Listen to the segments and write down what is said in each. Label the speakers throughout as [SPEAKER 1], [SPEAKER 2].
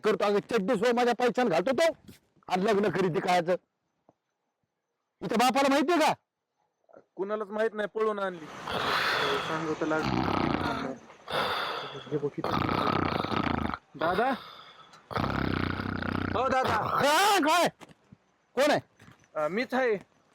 [SPEAKER 1] करतो अगं चड्डी सोय माझ्या पैशाने घालतो तो आणि लग्न खरेदी कायचं इथं बापाला माहितीये का
[SPEAKER 2] कुणालाच माहित नाही पळून आणली सांगतो लागलं दादा हो दादा
[SPEAKER 1] काय कोण आहे
[SPEAKER 2] मीच आहे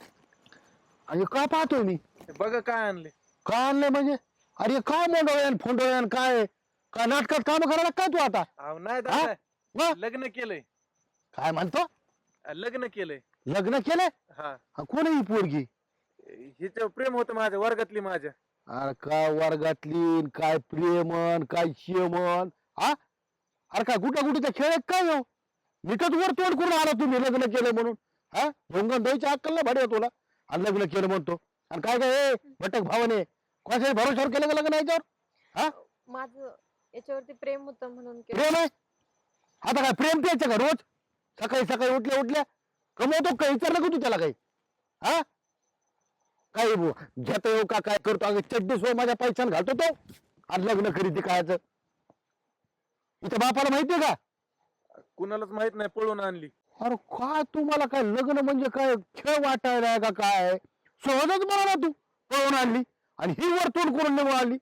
[SPEAKER 1] आणि का पाहतोय मी
[SPEAKER 2] बघा काय आणले
[SPEAKER 1] का आणलंय म्हणजे अरे काय मोंडोळ्यान फोंडोळ्यान काय काय नाटकात काम करायला काय तू आता
[SPEAKER 2] अहो नाही
[SPEAKER 1] हा?
[SPEAKER 2] दादा
[SPEAKER 1] मग?
[SPEAKER 2] लग्न केलंय
[SPEAKER 1] काय म्हणतो
[SPEAKER 2] लग्न केलंय
[SPEAKER 1] लग्न केलंय
[SPEAKER 2] हा
[SPEAKER 1] हा, कोण आहे ही पोरगी
[SPEAKER 2] हिच प्रेम होतं माझ्या वर्गातली माझ्या
[SPEAKER 1] अरे काय वर्गातली न काय प्रेमन काय शियमन हा अरे काय कुठं कुठे खेळ आहेत काय हो निकट वर तोंड करून आला तुम्ही लग्न केलं म्हणून हा भोंगण द्यायच्या अक्कल ना भाडे तुला आणि लग्न केलं म्हणतो आणि काय काय भटक भावने कोणाच्या भरोशावर केलं का लग्न याच्यावर हा
[SPEAKER 3] माझं याच्यावरती प्रेम होतं म्हणून केलं.
[SPEAKER 1] प्रेम आहे आता काय प्रेम प्यायचं का रोज सकाळी सकाळी उठल्या उठल्या कमवतो का विचारलं का तू त्याला काही हा काही घेतो येऊ का काय करतो अगं चड्डी सोय माझ्या पैशाने घालतो तो आणि लग्न खरेदी कायचं इथं बापाला माहितीये का
[SPEAKER 2] कुणालाच माहित नाही पळून आणली
[SPEAKER 1] अरे काय तुम्हाला काय लग्न म्हणजे काय खेळ वाटायला का काय सहजच म्हणाला तू पळून आणली आणि ही वर तोंड करून निघून आणली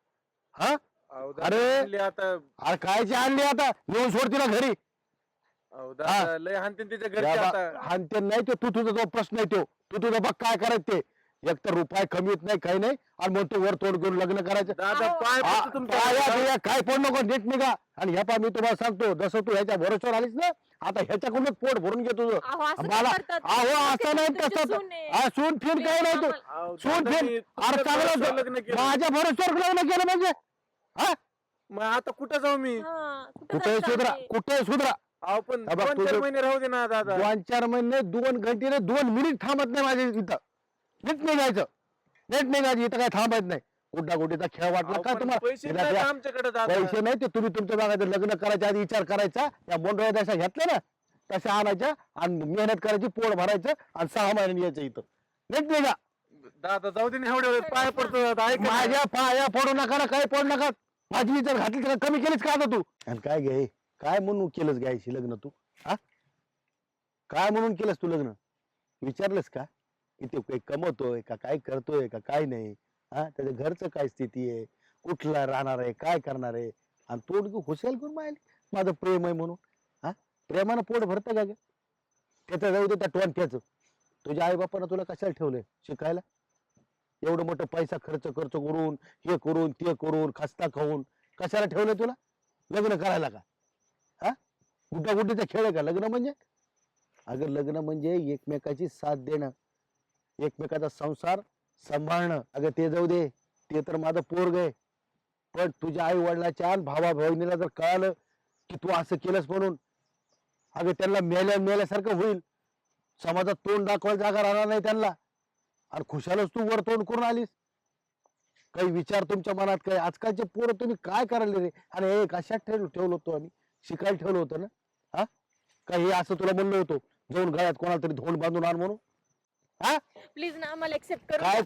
[SPEAKER 1] हा
[SPEAKER 2] अहो दादा,
[SPEAKER 1] अरे.
[SPEAKER 2] आणली आता
[SPEAKER 1] अरे कायची आणली आता नेऊन सोड तिला घरी
[SPEAKER 2] अहो दादा लय हानतीन तिच्या घरचे आता
[SPEAKER 1] आणि ते नाही ते तू तुझा जो प्रश्न आहे तो तू तुझं बघ काय करायचं ते एक तर रुपये कमी येत नाही काही नाही आणि मग तू वर तोड करून लग्न करायचं
[SPEAKER 2] दादा
[SPEAKER 3] अहो.
[SPEAKER 2] पाय
[SPEAKER 1] हा,
[SPEAKER 2] पडतो तुमच्या
[SPEAKER 1] पाया
[SPEAKER 2] हातात.
[SPEAKER 1] बिया काय पड नको नीट निघा आणि ह्या पा मी तुम्हाला सांगतो जसं तू ह्याच्या भरोश्यावर आलीस ना आता ह्याच्याकडूनच पोट भरून घे तुझं
[SPEAKER 3] अहो, असं
[SPEAKER 1] मला
[SPEAKER 3] काय करतात?
[SPEAKER 1] अहो असं नाही
[SPEAKER 3] तुमची
[SPEAKER 1] तसं
[SPEAKER 3] सून आहे.
[SPEAKER 1] हा, सून फिन काय नाही तू
[SPEAKER 2] अहो,
[SPEAKER 1] सून
[SPEAKER 2] दादा,
[SPEAKER 1] फिन
[SPEAKER 2] मी
[SPEAKER 1] अरे
[SPEAKER 2] तुमच्या भरोश्यावर
[SPEAKER 1] चांगलं
[SPEAKER 2] लग्न केलं.
[SPEAKER 1] माझ्या भरोश्यावर लग्न केलं म्हणजे हा
[SPEAKER 2] मग आता कुठं जाऊ मी
[SPEAKER 3] हा,
[SPEAKER 1] कुठे
[SPEAKER 3] जायचं
[SPEAKER 1] सुधरा
[SPEAKER 3] आहे?
[SPEAKER 1] कुठे सुधरा
[SPEAKER 2] अहो पण
[SPEAKER 1] हा बघ,
[SPEAKER 2] 2-4
[SPEAKER 1] तुझं-
[SPEAKER 2] महिने राहू दे ना दादा
[SPEAKER 1] 2-4 महिने 2 घंटे नाही 2 मिनिट थांबत नाही माझ्या इथं नीट निघायचं नीट निघायचं इथं काय थांबायचं नाही कुठला कुठेचा खेळ वाटला
[SPEAKER 2] अहो,
[SPEAKER 1] काय
[SPEAKER 2] पण
[SPEAKER 1] तुम्हाला
[SPEAKER 2] पैसे
[SPEAKER 1] तिला
[SPEAKER 2] नाहीत
[SPEAKER 1] त्या-
[SPEAKER 2] आमच्याकडे दादा
[SPEAKER 1] पैसे नाही ते तुम्ही तुमच्या भागात लग्न करायच्या आधी विचार करायचा या बोंडोळ्या जशा घेतल्या ना तशा आणायच्या आणि मेहनत करायची पोट भरायचं आणि 6 महिन्यांनी यायचं इथं नीट निघा
[SPEAKER 2] दादा जाऊ दे ना एवढ्या वेळेस पाय पडतो दादा ऐक ना.
[SPEAKER 1] माझ्या पाया पडू नका ना काय पडू नका माझी विचार घातली तर कमी केलीच का आता तू आणि काय घे काय म्हणून केलंस गायची लग्न तू हा काय म्हणून केलंस तू लग्न विचारलंस का की ते काही कमवतोय का काय करतोय का काय नाही हा त्याच्या घरचं काय स्थिती आहे कुठला राहणार आहे काय करणार आहे आणि तोड खुशाल करून माहिती माझं प्रेम आहे म्हणून हा प्रेमानं पोट भरतं का ग त्याचं जाऊ दे त्या टोनक्याचं तुझ्या आई बापानं तुला कशाला ठेवलंय शिकायला एवढं मोठं पैसा खर्च करून हे करून ते करून खस्ता खाऊन कशाला ठेवलंय तुला लग्न करायला का हा गुड्डागुड्डीचा खेळ आहे का लग्न म्हणजे अगं लग्न म्हणजे एकमेकाची साथ देणं एकमेकाचा संसार सांभाळणं अगं ते जाऊ दे ते तर माझं पोरग आहे पण तुझ्या आई वडिलाच्या भावा बहिणीला जर कळालं की तू असं केलंस म्हणून अगं त्यांना मेल्यासारखं होईल समाजात तोंड दाखवायला जागा राहणार नाही त्यांना आणि खुशालच तू वर तोंड करून आलीस काही विचार तुमच्या मनात काय आजकालचे पोरं तुम्ही काय करायला रे आणि हे कशात ठेवलं होतो आम्ही शिकायला ठेवलं होतं ना हा काही असं तुला म्हणलं होतं जाऊन गळ्यात कोणाला तरी धोंड बांधून आण म्हणून हा
[SPEAKER 3] प्लीज ना आम्हाला एक्सेप्ट करू
[SPEAKER 1] काय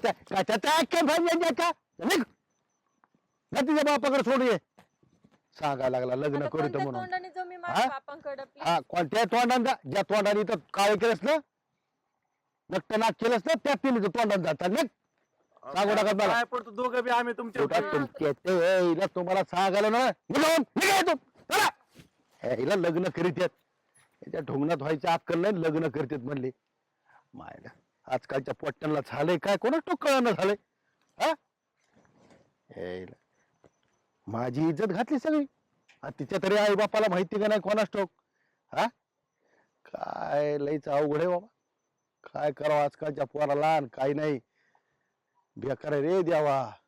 [SPEAKER 1] तिच्या बापाकडे सोडून ये सांगायला लागला लग्न
[SPEAKER 3] आता
[SPEAKER 1] करीत
[SPEAKER 3] कोणत्या
[SPEAKER 1] म्हणून
[SPEAKER 3] तोंडाने जाऊ मी
[SPEAKER 1] हा?
[SPEAKER 3] माझ्या बापांकडे
[SPEAKER 1] हा कोणत्या तोंडाने ज्या तोंडाने इथं काय केलंस ना नक्ट नाक केलंस ना त्या तिने तोंडाने जातात ना सांगू नका मला
[SPEAKER 2] पाय पडतो दोघं बी आम्ही
[SPEAKER 1] पोटात
[SPEAKER 2] तुमच्या
[SPEAKER 1] तुमच्या ते हिला तुम्हाला सांगायला ना निघून निघा इथून. चला. हिला लग्न करीत आहेत याच्या ढोंगणात व्हायची अक्कल नाही लग्न करतात म्हणले मायला आजकालच्या पोट्ट्यांना झालंय काय कोणाच तो कळणं झालंय हा हिला. माझी इज्जत घातली सगळी तिच्या तरी आई बापाला माहिती का नाही कोणाच ठोक हा काय लईच अवघड आहे बाबा काय करावं आजकालच्या पोराला आणि काय नाही बेकार आहे रे देवा